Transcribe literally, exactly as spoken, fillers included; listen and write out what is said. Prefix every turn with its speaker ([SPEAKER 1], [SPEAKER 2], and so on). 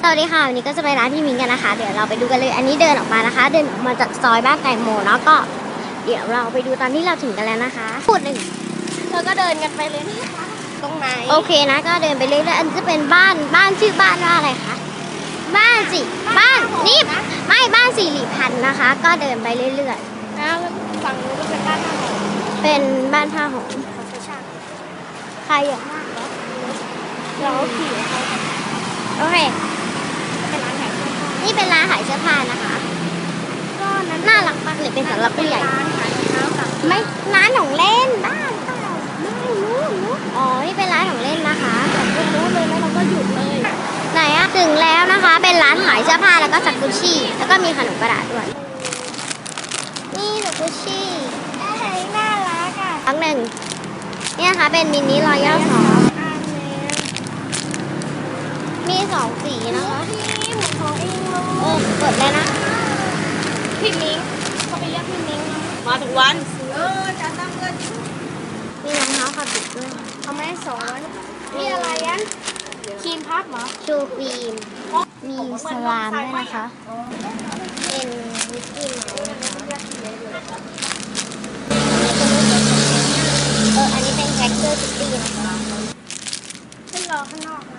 [SPEAKER 1] วัสดีค่ะวันนี้ก็จะไปร้านพี่มิ้งกันนะคะเดี๋ยวเราไปดูกันเลยอันนี้เดินออกมานะคะ เดินออกมาจากซอยบ้านแตงโมแล้วก็เดี๋ยวเราไปดูตอนที่เราถึงกันแล้วนะคะพูดหนึ่ง
[SPEAKER 2] เธอก็เดินกันไปเลยนี่ตรงไหน
[SPEAKER 1] โอเคนะก็เดินไปเรื่อยๆอันนี้จะเป็นบ้านบ้านชื่อบ้านว่าอะไรคะบ้านสิบ้านนี่ไม่บ้านสิริพันธ์นะคะ ก็เดินไปเรื่อย
[SPEAKER 2] นะแล้วฝั่งนู้นก็เป็นบ้านท่าหอม
[SPEAKER 1] ๆเป็นบ้านผ้าห่ม
[SPEAKER 2] ของชาชา
[SPEAKER 1] ใครเยอะมากเหรอ
[SPEAKER 2] เราขี่เขา
[SPEAKER 1] โอเค
[SPEAKER 2] เป็นร้านขายเสื้อผ้า
[SPEAKER 1] นี่เป็นร้านขายเสื้อผ้านะคะ
[SPEAKER 2] ก็นั้น
[SPEAKER 1] น่ารักมากเลยเป็นสำหรับผู้ใหญ่
[SPEAKER 2] ร้านขายรองเท้ากับ
[SPEAKER 1] ไม่ร้านของเล่นบ้านเปล่าไม่รู้รู้อ๋อนี่เป็นร้านของเล่นนะคะ
[SPEAKER 2] ตรงนู้นเลยแล้วเราก็หยุดเลย
[SPEAKER 1] ไหนอะถึงแล้วนะคะเป็นร้านขายเสื้อผ้าแล้วก็ซักกุชชี่แล้วก็มีขนมกระดาษด้วยนี่ซักกุชชี่
[SPEAKER 2] เฮ้ยน่ารักอ่ะ
[SPEAKER 1] ครั้งหนึ่งนี่นะคะเป็นมินิรอยัลสอง
[SPEAKER 2] อันนี้
[SPEAKER 1] มีสองสีนะคะ
[SPEAKER 2] พี่เหมือนของเองเล
[SPEAKER 1] เออย กดเลยนะ
[SPEAKER 2] พี่มิ้งเขาไปเรียกพี่มิ้งนะ
[SPEAKER 3] มาทุกวัน
[SPEAKER 2] เออจะตั้งเงิน
[SPEAKER 1] มีรองเท้าขับบิดด้วย
[SPEAKER 2] เอาไหมสองร้อยมีอะไรยันครีมพับเหรอ
[SPEAKER 1] ชูฟิล์มมีสลามด้วยนะคะเป็นมิกกี้เมาส์นะคะเอออันนี้เป็นแจ็คเกอร์ซิตี้นะคะ
[SPEAKER 2] ขึ้นรอข้างนอกนะ